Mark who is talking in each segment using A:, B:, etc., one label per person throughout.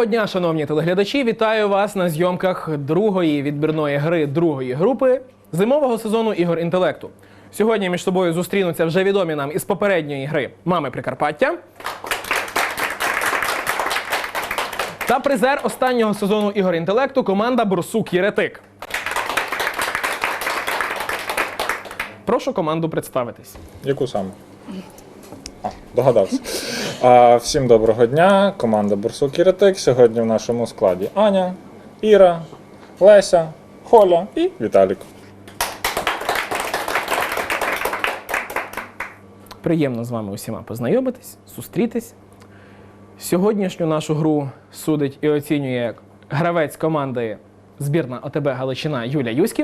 A: Доброго дня, шановні телеглядачі! Вітаю вас на зйомках другої відбірної гри другої групи зимового сезону ігор інтелекту. Сьогодні між собою зустрінуться вже відомі нам із попередньої гри «Мами Прикарпаття» та призер останнього сезону ігор інтелекту команда «Борсук Єретик». Прошу команду представитись.
B: Яку саме? Догадався. Всім доброго дня. Команда «Борсук Єретик». Сьогодні в нашому складі Аня, Іра, Леся, Холя і Віталік.
A: Приємно з вами усіма познайомитись, зустрітись. Сьогоднішню нашу гру судить і оцінює гравець команди збірна ОТБ Галичина Юля Юськів.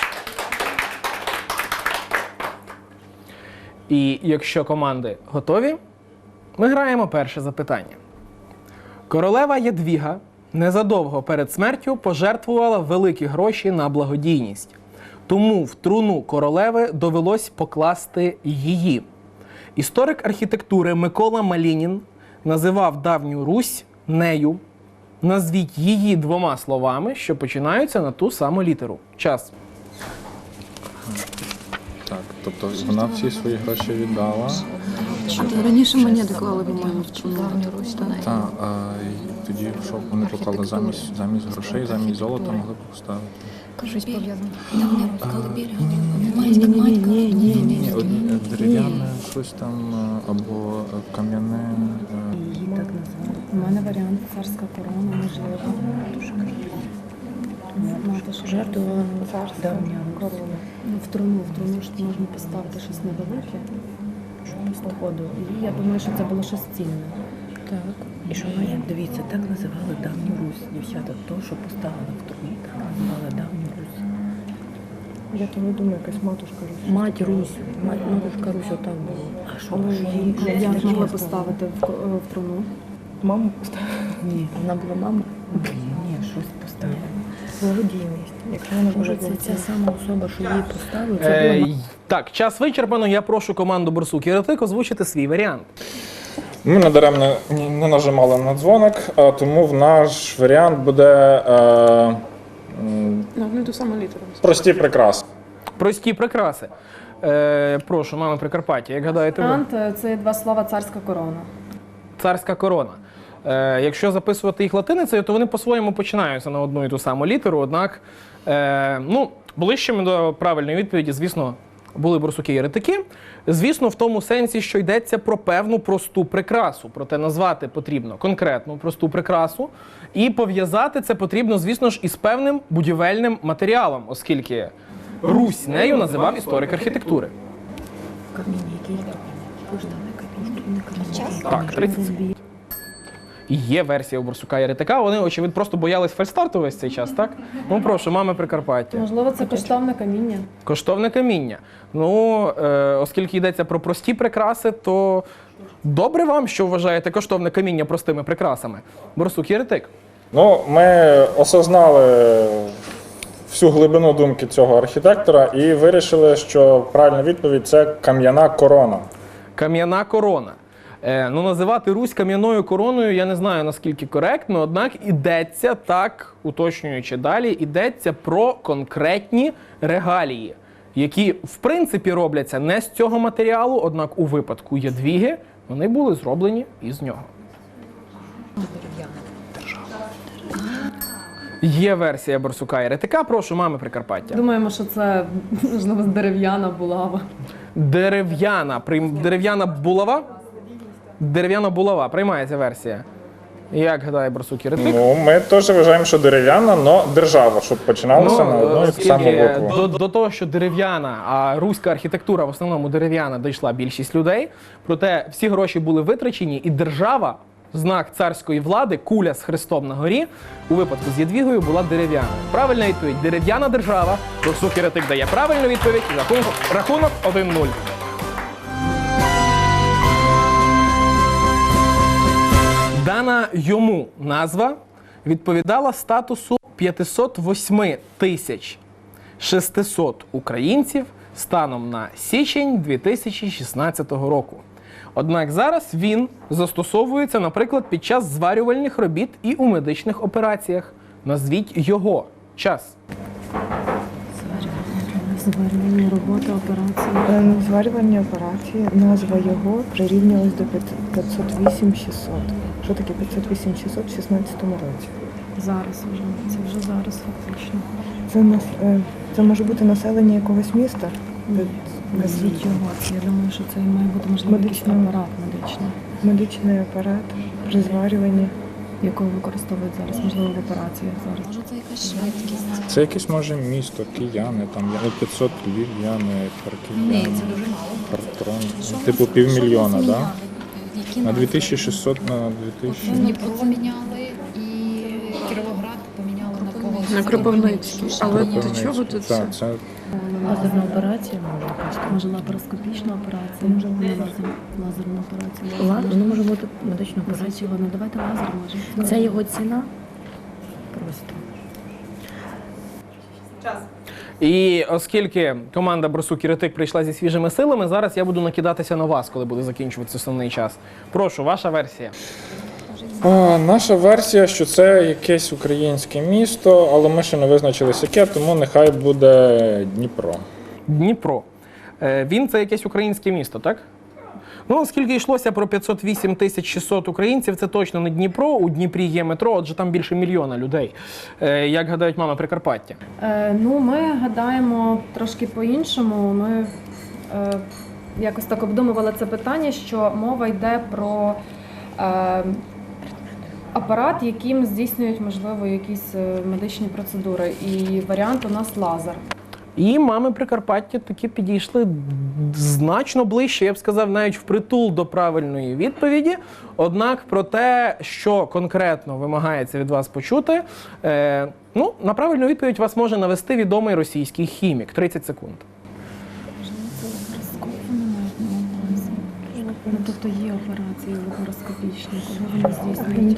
A: І якщо команди готові, ми граємо перше запитання. Королева Ядвіга незадовго перед смертю пожертвувала великі гроші на благодійність. Тому в труну королеви довелось покласти її. Історик архітектури Микола Малінін називав давню Русь нею. Назвіть її двома словами, що починаються на ту саму літеру. Час.
B: Так, тобто вона всі свої гроші віддала.
C: Раніше монети клали, по-моєму, в давню Русь.
B: Так, і тоді що вони поклали замість грошей, замість золота могли б поставити.
C: Щось пов'язане.
B: Ні, дерев'яне щось там, або кам'яне.
D: Її так називали. У мене варіант царська корона, можливо. Мати ж жертвувала царська корона. В труну ж можна поставити щось невелике, походу. І я думаю, що це було щось цінне.
E: Так. І що вона, дивіться, так називали давню Русь. Дівчата, то, що поставили в труні, так називали давню Русь.
D: Я тому думаю, якась матушка Русь.
E: Мать Русь. Матушка Русь отак було. А що її?
D: Як могли поставити в труну?
E: Маму поставили? Ні. Вона була мама? Ні, щось поставили. Благодійність. Якщо вона може ця сама особа, що її поставили, це була...
A: Так, час вичерпано. Я прошу команду «Борсук Єретик» озвучити свій варіант.
B: Ми надаремно не нажимали на дзвоник, тому в наш варіант буде
D: Ту саму літеру.
B: прості прикраси.
A: Прості прикраси. Прошу, «Мами Прикарпаття», як гадаєте ви?
D: Варіант – це два слова «царська корона».
A: Царська корона. Якщо записувати їх латиницею, то вони по-своєму починаються на одну і ту саму літеру, однак ближчими до правильної відповіді, звісно, були борсуки-єретики. Звісно, в тому сенсі, що йдеться про певну просту прикрасу. Проте назвати потрібно конкретну просту прикрасу. І пов'язати це потрібно, звісно ж, із певним будівельним матеріалом, оскільки Русь нею називав історик архітектури.
E: Каміння, який каміння.
A: Так, 30 секунд. Є версія у Борсука Єретика, вони, очевидно, просто боялись фальстарту весь цей час, так? Ну, прошу, «Мами Прикарпаття».
D: Можливо, це коштовне каміння.
A: Коштовне каміння. Ну, оскільки йдеться про прості прикраси, то добре вам, що вважаєте коштовне каміння простими прикрасами. Борсук Єретик.
B: Ну, ми осознали всю глибину думки цього архітектора і вирішили, що правильна відповідь – це кам'яна корона.
A: Кам'яна корона. Називати Русь кам'яною короною, я не знаю, наскільки коректно, однак ідеться, так, уточнюючи далі, ідеться про конкретні регалії, які, в принципі, робляться не з цього матеріалу, однак у випадку Ядвіги вони були зроблені із нього. Є версія Борсука Єретика. Прошу, «Мами Прикарпаття».
D: Думаємо, що це, можливо, дерев'яна булава.
A: Дерев'яна булава? Дерев'яна булава. Приймається версія. Як гадає Борсук Єретик?
B: Ну, ми теж вважаємо, що дерев'яна, але держава, щоб починалося на одну і ту саму букву.
A: До того, що дерев'яна, а руська архітектура в основному дерев'яна, дійшла більшість людей. Проте всі гроші були витрачені, і держава, знак царської влади, куля з хрестом на горі, у випадку з Ядвігою була дерев'яна. Правильна відповідь – дерев'яна держава. Борсук Єретик дає правильну відповідь. Рахунок 1-0. Дана йому назва відповідала статусу 508 600 українців станом на січень 2016 року. Однак зараз він застосовується, наприклад, під час зварювальних робіт і у медичних операціях. Назвіть його. Час.
D: Зварювальні роботи, операції.
F: Зварювальні операції, назва його прирівнювалась до 508-600. Що таке 508-600 в 16 році?
D: Зараз вже. Це вже зараз фактично.
F: Це може бути населення якогось міста?
D: Назвіть його. Я думаю, що це має бути, можливо, якийсь
F: Медичний.
D: апарат медичний,
F: Медичний апарат при зварюванні.
D: якого використовують зараз, можливо, в операціях зараз.
C: Може, це якась швидкість?
B: Це якесь може місто, кияни, там 500 львів'яни,
C: Ні,
B: харків'яни,
C: це дуже мало.
B: Хартрон. Типу півмільйона, так? Да?
C: Які
B: На
C: назви?
B: 2600, на 2000.
C: Дніпро поміняли і Кіровоград поміняли на когось.
G: На Кропивницький. Але до чого тут все?
B: Так, це
E: Лазерна операція може якась.
D: Може, лапароскопічна операція, може, лазерна операція.
E: Воно може бути медична операція.
D: Назвіть його, ну давайте лазер може.
E: Це його ціна? Просто.
A: І оскільки команда Борсук і Ретик прийшла зі свіжими силами, зараз я буду накидатися на вас, коли буде закінчуватися основний час. Прошу, ваша версія.
B: наша версія, що це якесь українське місто, але ми ще не визначилися яке, тому нехай буде Дніпро.
A: Дніпро. Він це якесь українське місто, так? Ну, оскільки йшлося про 508 600 українців, це точно не Дніпро. У Дніпрі є метро, отже там більше мільйона людей. Як гадають мами Прикарпаття?
D: Ну, ми гадаємо трошки по-іншому. Ми якось так обдумували це питання, що мова йде про апарат, яким здійснюють, можливо, якісь медичні процедури. І варіант у нас лазер.
A: І мами Прикарпаття таки підійшли значно ближче, я б сказав, навіть впритул до правильної відповіді. Однак про те, що конкретно вимагається від вас почути, на правильну відповідь вас може навести відомий російський хімік. 30 секунд.
D: Ну, тобто є операції лапароскопічні, коли вони здійснюють.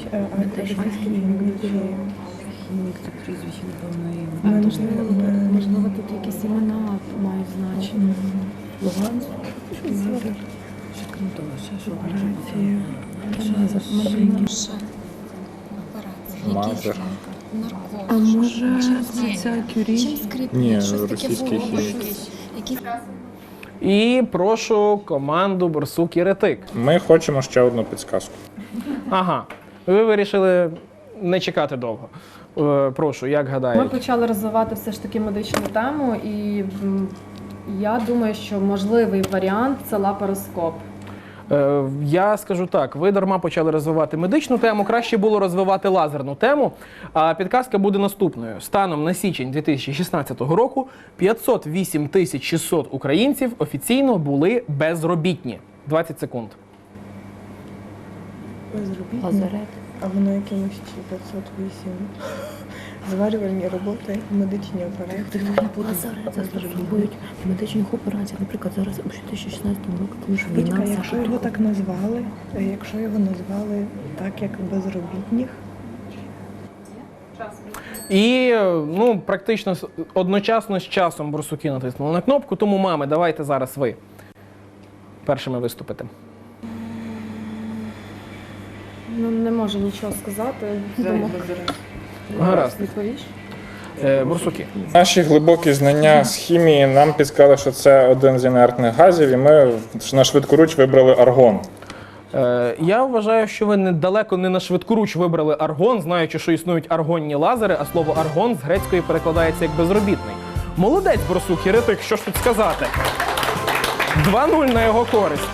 E: Хімік, це прізвище, напевно, і
D: Можливо, тут якісь імена мають значення.
E: Луганськ. Що крім того, ще що операції.
C: Ще операції.
B: Лазер.
C: Наркоз.
G: А може
C: Ні.
G: ця Кюрі?
C: Чим скрипні?
B: Ні,
C: Щось таке
B: російський
C: було.
B: хімік.
C: Які
A: І прошу команду Борсук і Ретик.
B: Ми хочемо ще одну підсказку.
A: Ага, ви вирішили не чекати довго. Прошу, як
D: Ми
A: гадаєте?
D: почали розвивати все ж таки медичну тему, і я думаю, що можливий варіант це лапароскоп.
A: Я скажу так, ви дарма почали розвивати медичну тему, краще було розвивати лазерну тему. А підказка буде наступною. Станом на січень 2016 року 508 600 українців офіційно були безробітні. 20 секунд.
F: Безробітні.
E: Лазарет.
F: А воно якимось чи 508. Зварювальні роботи, медичні операції.
E: Лазарет застосовують в медичних операціях. Наприклад, зараз у 2016 році, тому що війна
F: Батька,
E: вся
F: якщо його так назвали, так, як безробітних,
A: І практично одночасно з часом борсуки натиснули на кнопку, тому мами, давайте зараз ви першими виступите.
D: Ну, не можу нічого сказати. Тому
A: Гаразд.
D: відповіш?
A: Борсуки.
B: Наші глибокі знання з хімії нам підказали, що це один з інертних газів, і ми на швидкоруч вибрали аргон.
A: Я вважаю, що ви далеко не на швидкоруч вибрали аргон, знаючи, що існують аргонні лазери, а слово аргон з грецької перекладається як безробітний. Молодець, Борсук і Ретик, що ж тут сказати? 2-0 на його користь.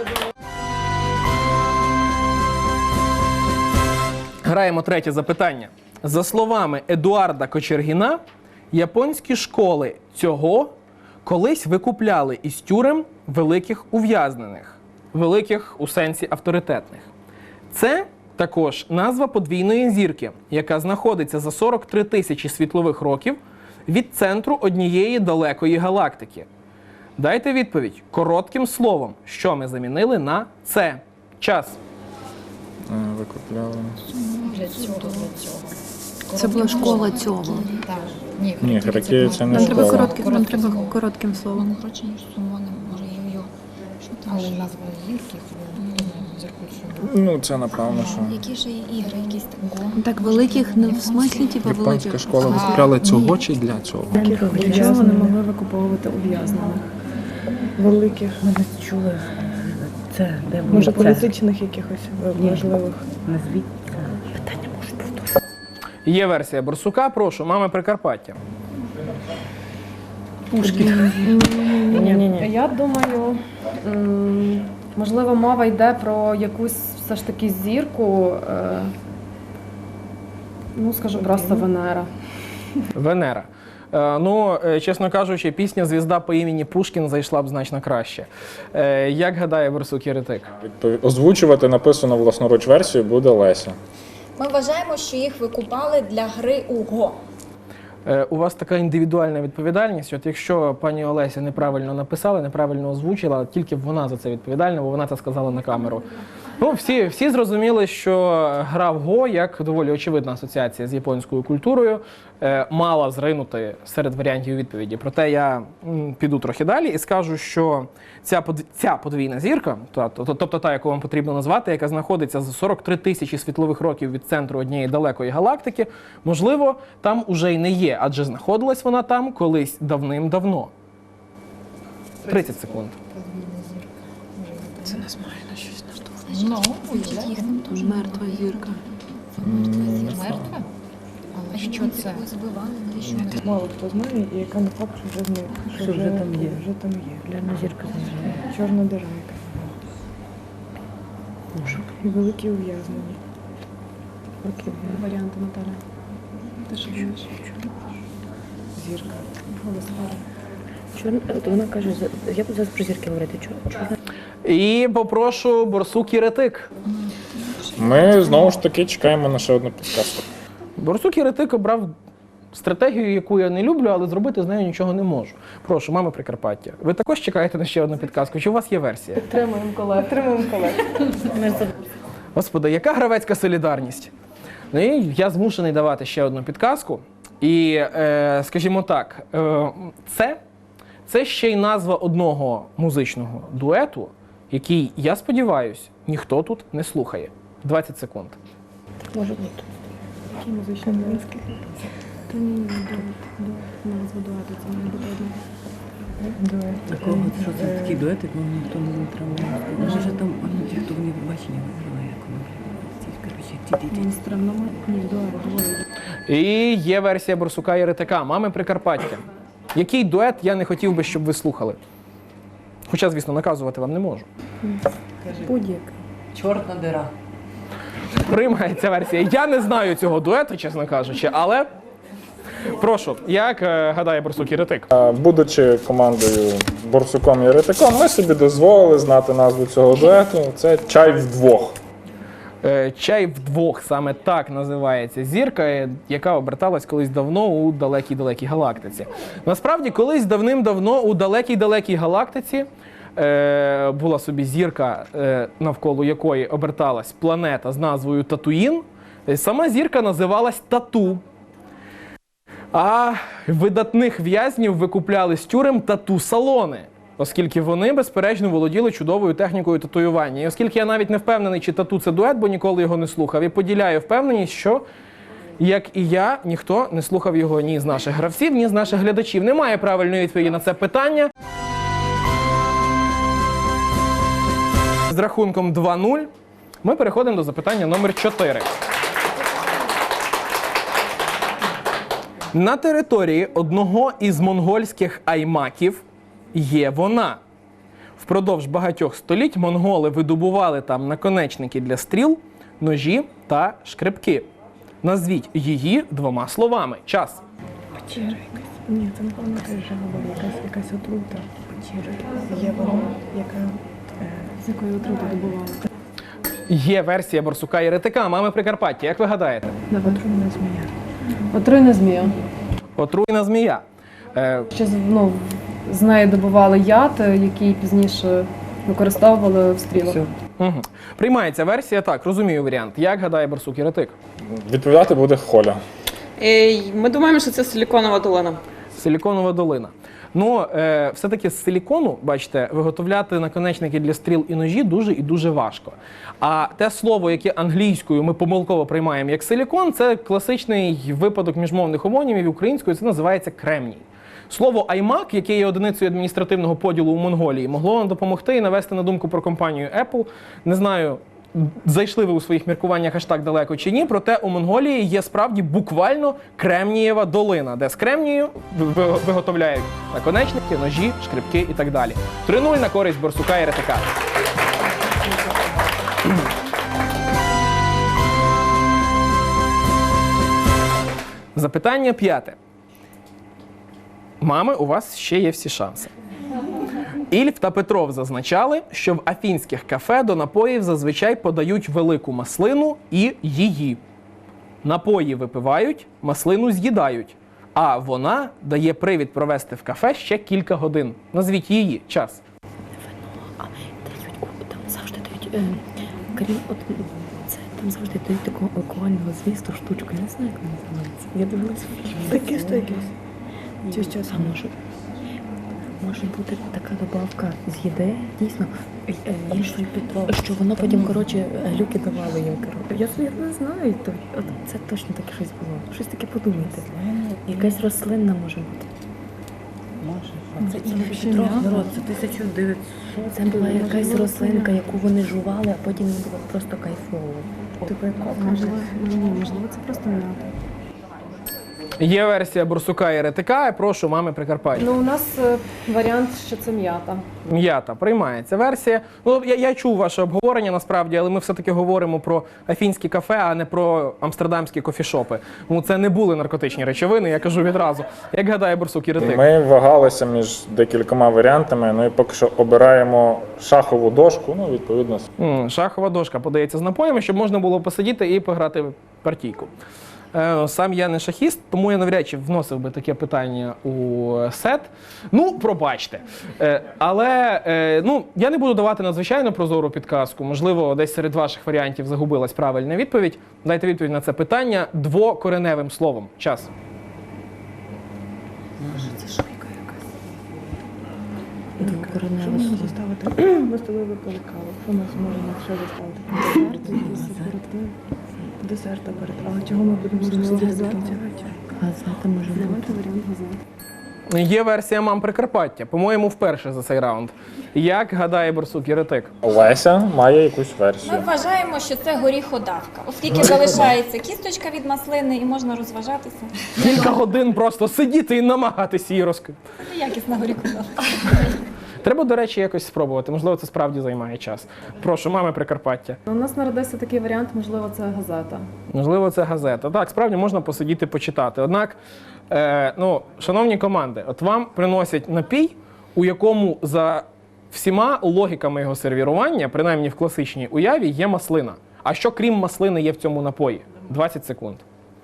A: Граємо третє запитання. За словами Едуарда Кочергіна, японські школи цього колись викупляли із тюрем великих ув'язнених. Великих у сенсі авторитетних. Це також назва подвійної зірки, яка знаходиться за 43 тисячі світлових років від центру однієї далекої галактики. Дайте відповідь коротким словом, що ми замінили на це. Час.
B: Викупляли.
C: для цього.
G: Це була школа цього.
C: Так. Ні,
B: Ні, Харакірі це не
G: Нам треба
B: школа.
G: нам треба коротким словом.
C: Воно коротше, ніж сумони, може йо-йо. Що там? Але назва гірки.
B: Ну, це напевно, що.
C: Які ж ігри, якісь там?
G: Так, великих не в смислі, типу,
B: Японська
G: великих.
B: школа виставляла цього чи для цього?
D: Для чого вони могли викуповувати ув'язнених?
F: Великих,
E: Ми не чули це, де було
F: може,
E: це.
F: політичних якихось важливих.
E: Назвіть це. Питання можуть повторити.
A: Є версія Борсука, прошу, мами Прикарпаття.
D: Ні. Я думаю, можливо, мова йде про якусь все ж таки зірку, ну, скажу просто Венера.
A: Венера. Чесно кажучи, пісня «Звізда по імені Пушкін» зайшла б значно краще. Як гадає Борсук Єретик?
B: Озвучувати написану власноруч версію буде Леся.
H: Ми вважаємо, що їх викупали для гри у Го.
A: У вас така індивідуальна відповідальність. От якщо пані Олеся неправильно написала, неправильно озвучила, тільки вона за це відповідальна, бо вона це сказала на камеру. Ну, всі зрозуміли, що гра в Го, як доволі очевидна асоціація з японською культурою, мала зринути серед варіантів відповіді. Проте я піду трохи далі і скажу, що ця подвійна зірка, тобто та, яку вам потрібно назвати, яка знаходиться за 43 тисячі світлових років від центру однієї далекої галактики, можливо, там уже й не є, адже знаходилась вона там колись давним-давно. 30 секунд.
G: Це нас має на щось наштовхнути.
C: Значить, їх там теж
G: Мертва зірка.
C: мертва? А що це? Ви збивали, навіщо?
F: Мало хто знає, і яка не факт, що вже з них.
E: Що вже там є.
F: Вже там є.
E: Гляна зірка заїжджає.
F: Чорна дира яка. І великі ув'язнені. Окей.
D: Варіанти, Наталя. Ти що думаєш?
F: Зірка.
E: Чорна, от вона каже, я буду зараз про зірки говорити. Чорна.
A: І попрошу Борсук Єретик.
B: Ми знову ж таки чекаємо на ще одну підказку.
A: Борсук Єретик обрав стратегію, яку я не люблю, але зробити з нею нічого не можу. Прошу, мами Прикарпаття. Ви також чекаєте на ще одну підказку? Чи у вас є версія?
D: Підтримуємо колег.
A: Господи, яка гравецька солідарність? Ну і я змушений давати ще одну підказку. І, скажімо так, це ще й назва одного музичного дуету, який, я сподіваюся, ніхто тут не слухає. 20 секунд.
E: Може бути.
F: Які музичні низки.
D: Та ні, назва дуету, це має бути одне.
E: Такого, що це такі дуети, ну ніхто не травмує. Може там, ті, хто в бачення виграли, як вони. Коротше, ті.
D: Монстрам ні, дует.
A: І є версія Борсука Єретика, мами Прикарпаття. Який дует я не хотів би, щоб ви слухали? Хоча, звісно, наказувати вам не можу.
D: Будь-який.
E: Чорна дира.
A: Приймається версія. Я не знаю цього дуету, чесно кажучи, але прошу, як гадає Борсук Єретик?
B: Будучи командою Борсуком і Єретиком, ми собі дозволили знати назву цього дуету. Це «Чай вдвох».
A: «Чай вдвох» – саме так називається зірка, яка оберталась колись давно у далекій-далекій галактиці. Насправді, колись давним-давно у далекій-далекій галактиці була собі зірка, навколо якої оберталась планета з назвою Татуїн. Сама зірка називалась Тату. А видатних в'язнів викупляли з тюрем тату-салони, оскільки вони, безперечно, володіли чудовою технікою татуювання. І оскільки я навіть не впевнений, чи тату це дует, бо ніколи його не слухав, і поділяю впевненість, що, як і я, ніхто не слухав його ні з наших гравців, ні з наших глядачів. Немає правильної відповіді на це питання. З рахунком 2-0 ми переходимо до запитання номер 4. На території одного із монгольських аймаків є вона. Впродовж багатьох століть монголи видобували там наконечники для стріл, ножі та шкребки. Назвіть її двома словами. Час.
F: Печера якась. Ні, це напевно теж жаба, якась отрута. Печера. Є вона, яка...
D: З якої отрути добували?
A: Є версія Борсука Єретика, мами Прикарпаття. Як ви гадаєте?
F: Отруйна змія.
D: Отруйна змія.
A: Отруйна змія.
D: Ще з неї добували яд, який пізніше використовували в стрілах.
A: Угу. Приймається версія, так, розумію варіант. Як гадає Борсук Єретик?
B: Відповідати буде Холя.
I: Ми думаємо, що це силіконова долина.
A: Силіконова долина. Ну, все-таки з силікону, бачите, виготовляти наконечники для стріл і ножі дуже і дуже важко. А те слово, яке англійською ми помилково приймаємо як силікон, це класичний випадок міжмовних омонімів, українською це називається кремній. Слово «аймак», яке є одиницею адміністративного поділу у Монголії, могло нам допомогти і навести на думку про компанію Apple. Не знаю, зайшли ви у своїх міркуваннях аж так далеко чи ні, проте у Монголії є справді буквально Кремнієва долина, де з кремнію виготовляють наконечники, ножі, шкребки і так далі. 3-0 на користь Борсука і Ретика. Запитання 5. Мами, у вас ще є всі шанси. Ільф та Петров зазначали, що в афінських кафе до напоїв зазвичай подають велику маслину і її. Напої випивають, маслину з'їдають, а вона дає привід провести в кафе ще кілька годин. Назвіть її. Час.
E: Там завжди дають, крім от це, там завжди дають такого алкогольного змісту штучку. Я не знаю, як вона називається. Я дивилася фільм.
F: Такі якісь. Чи щось?
E: А може бути така добавка з їди, дійсно, що воно потім, коротше, глюки давали їм. Я не знаю, от це точно таке щось було. Щось таке подумайте. Якась рослинна може бути. Це Ільф і Петров, народ, це 1900. Це була якась рослинка, яку вони жували, а потім їм було просто кайфово.
F: Типу як
D: Можливо, це просто м'ята.
A: Є версія Борсука і Ретика, прошу, мами Прикарпаття.
D: Ну, у нас варіант, що це м'ята.
A: М'ята, приймається версія. Ну, я чув ваше обговорення насправді, але ми все-таки говоримо про афінські кафе, а не про амстердамські кофішопи. Ну, це не були наркотичні речовини, я кажу відразу. Як гадає Борсук і Ретик?
B: Ми вагалися між декількома варіантами, ну і поки що обираємо шахову дошку, ну, відповідно.
A: Шахова дошка подається з напоями, щоб можна було посидіти і пограти в партійку. Сам я не шахіст, тому я навряд чи вносив би таке питання у сет. Ну, пробачте. Але я не буду давати надзвичайно прозору підказку. Можливо, десь серед ваших варіантів загубилась правильна відповідь. Дайте відповідь на це питання двокореневим словом. Час.
E: Двокореневе
F: можна
E: слово.
F: заставити? Ми з тобою випили каву. Що нас можна ще заставити? Десерт перед. Але чого ми будемо сидіти до кінця вечора?
E: Газета може бути.
D: Варіант газет.
A: Є версія мам Прикарпаття. По-моєму, вперше за цей раунд. Як гадає Борсук і Ретик?
B: Леся має якусь
H: Ми
B: версію.
H: вважаємо, що це горіходавка, оскільки залишається кісточка від маслини і можна розважатися.
A: Кілька годин просто сидіти і намагатися її розкрити.
H: Це якісна горіходавка.
A: Треба, до речі, якось спробувати. Можливо, це справді займає час. Прошу, мами Прикарпаття.
D: У нас народився такий варіант, можливо, це газета.
A: Можливо, це газета. Так, справді можна посидіти, почитати. Однак, шановні команди, от вам приносять напій, у якому за всіма логіками його сервірування, принаймні в класичній уяві, є маслина. А що крім маслини є в цьому напої? 20 секунд.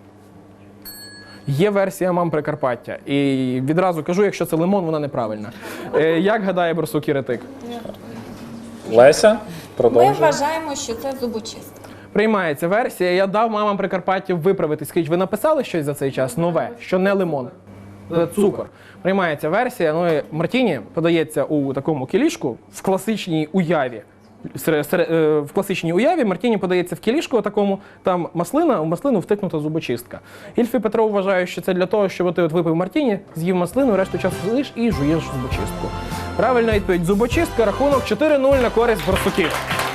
A: Є версія мам Прикарпаття. І відразу кажу, якщо це лимон, вона неправильна. Як гадає Борсук і Ретик?
B: Леся,
H: Ми
B: продовжує.
H: вважаємо, що це зубочистка.
A: Приймається версія. Я дав мамам Прикарпаття виправити. Скажіть, ви написали щось за цей час нове, що не лимон? Цукор. Приймається версія. Ну і Мартіні подається у такому кілішку в класичній уяві. В класичній уяві Мартіні подається в кілішку такому, там маслина, у маслину втикнута зубочистка. Ільф і Петров вважають, що це для того, щоб ти от випив Мартіні, з'їв маслину, решту часу сидиш і жуєш зубочистку. Правильна відповідь – зубочистка, рахунок 4-0 на користь Борсуків.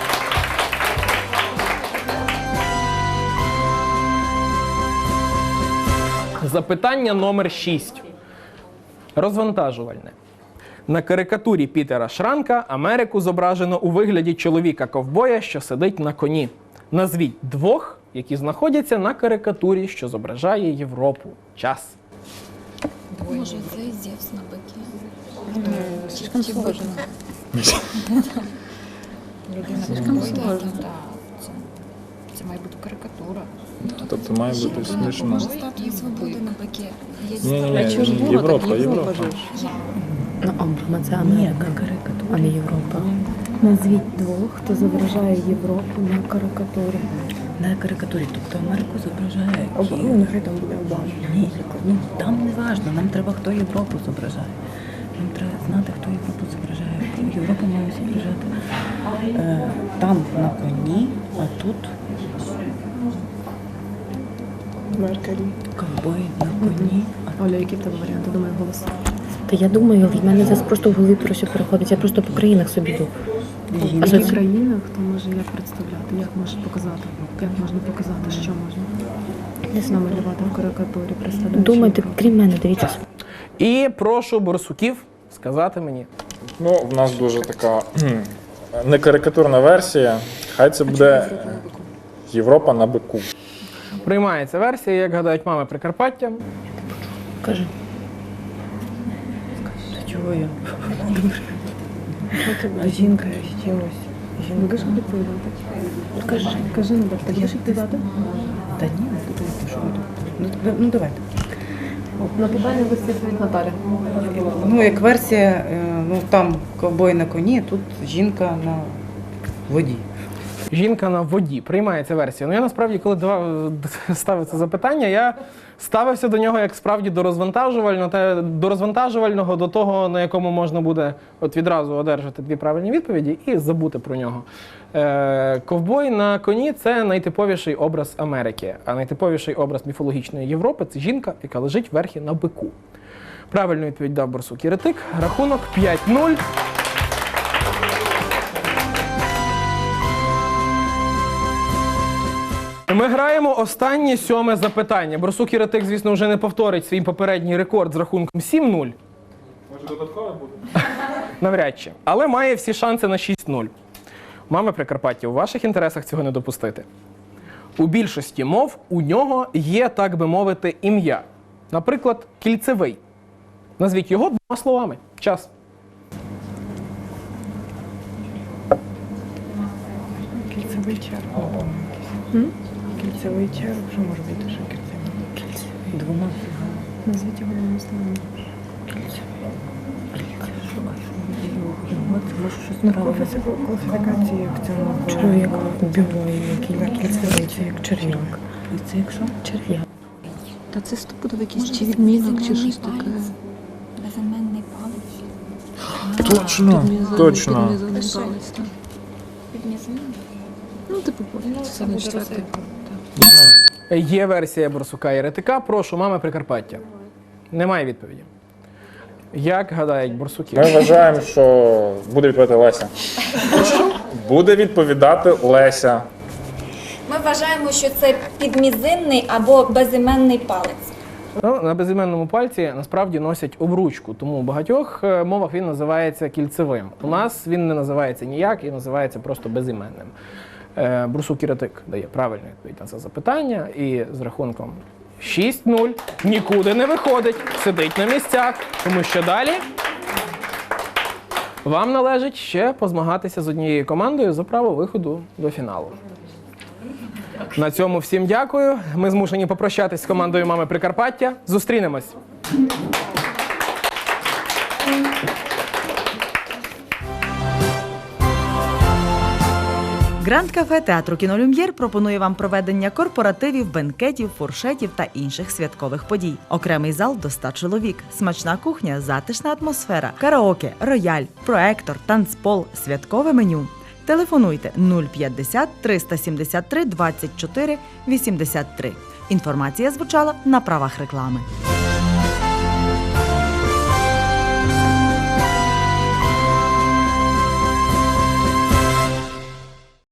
A: Запитання номер 6. Розвантажувальне. На карикатурі Пітера Шранка Америку зображено у вигляді чоловіка-ковбоя, що сидить на коні. Назвіть двох, які знаходяться на карикатурі, що зображає Європу. Час.
C: Може, це Зевс на быке?
G: Слишком сложно.
C: Слишком сложно. Це має бути карикатура.
B: Тобто має бути смішно.
C: Може, статуя свободи на быке. Є
B: Ні, Європа.
E: Ну, це Америка, а не Європа. Назвіть двох, хто зображає Європу на карикатурі. На карикатурі, тобто Америку зображає
F: Обама, нехай там буде Обама.
E: Ні, ну там не важливо, нам треба, хто Європу зображає. Нам треба знати, хто Європу зображає. Європу має зображати там на коні, а тут
F: Меркель.
E: ковбой на коні.
D: Оля, які в тебе варіанти? Думаю, голос.
E: Та я думаю, в мене зараз просто в голові про що переходить. Я просто по країнах собі йду.
D: В
E: А що
D: яких
E: це?
D: країнах то може як представляти? Як може показати? Як можна показати, що можна? Десь намалювати в карикатурі, представляючи
E: Думайте,
D: Європу.
E: крім мене, дивіться.
A: І прошу борсуків сказати мені.
B: Ну, в нас дуже така не карикатурна версія. Хай це буде Європа на бику.
A: Приймається версія, як гадають мами Прикарпаття.
E: Кажи. Та чого я?
F: А жінка з чимось.
D: Будеш відповідати?
E: Кажи.
D: Кажи, Надя, ти будеш відповідати?
E: Та ні, що ви тут? Ну давайте.
D: На питання висить від Наталі.
I: Ну, як версія, ну там ковбой на коні, тут жінка на воді.
A: Жінка на воді. Приймається версія. Ну я насправді, коли ставив це запитання, я ставився до нього як справді до розвантажувального, до того, на якому можна буде от відразу одержати дві правильні відповіді і забути про нього. Ковбой на коні – це найтиповіший образ Америки, а найтиповіший образ міфологічної Європи – це жінка, яка лежить верхи на бику. Правильну відповідь дав Борсук Єретик. Рахунок 5-0. Ми граємо останнє 7-ме запитання. Борсук Єретик, звісно, вже не повторить свій попередній рекорд з рахунком 7-0.
B: Може додаткове буде?
A: Навряд чи. Але має всі шанси на 6-0. Мами Прикарпаття, у ваших інтересах цього не допустити. У більшості мов у нього є, так би мовити, ім'я. Наприклад, кільцевий. Назвіть його 2 словами. Час.
F: Кільцевий черв. Кільцевий черв. Що може бути ще кільцевий?
E: Двома.
D: Назвіть його двома словами.
E: Може щось правильне.
F: Класифікації як в цьому.
E: Чоловік вбиває, який кільцевий, це як черв'як. Це якщо? Черв'як.
G: Та це стопудово якийсь
H: Може,
G: чи
H: це
G: відмінок, чи
H: безіменний
G: щось таке.
H: палець? Безіменний палець.
B: Точно, точно.
G: Підмізаний палець, так.
H: Підмізинний?
G: Ну, типу, це не четвертий.
A: Є версія Борсука Єретика. Прошу, мами Прикарпаття. Немає відповіді. Як гадають борсуки?
B: Ми вважаємо, що буде відповідати Леся. Буде відповідати Леся.
H: Ми вважаємо, що це підмізинний або безіменний палець.
A: Ну, на безіменному пальці насправді носять обручку, тому у багатьох мовах він називається кільцевим. У нас він не називається ніяк і називається просто безіменним. Борсук Єретик дає правильну відповідь на це запитання і з рахунком 6-0 нікуди не виходить, сидить на місцях, тому що далі вам належить ще позмагатися з однією командою за право виходу до фіналу. На цьому всім дякую. Ми змушені попрощатись з командою «Мами Прикарпаття». Зустрінемось!
J: Гранд Кафе Театру Кінолюм'єр пропонує вам проведення корпоративів, бенкетів, фуршетів та інших святкових подій. Окремий зал до 100 чоловік, смачна кухня, затишна атмосфера, караоке, рояль, проектор, танцпол, святкове меню. Телефонуйте 050 373 24 83. Інформація звучала на правах реклами.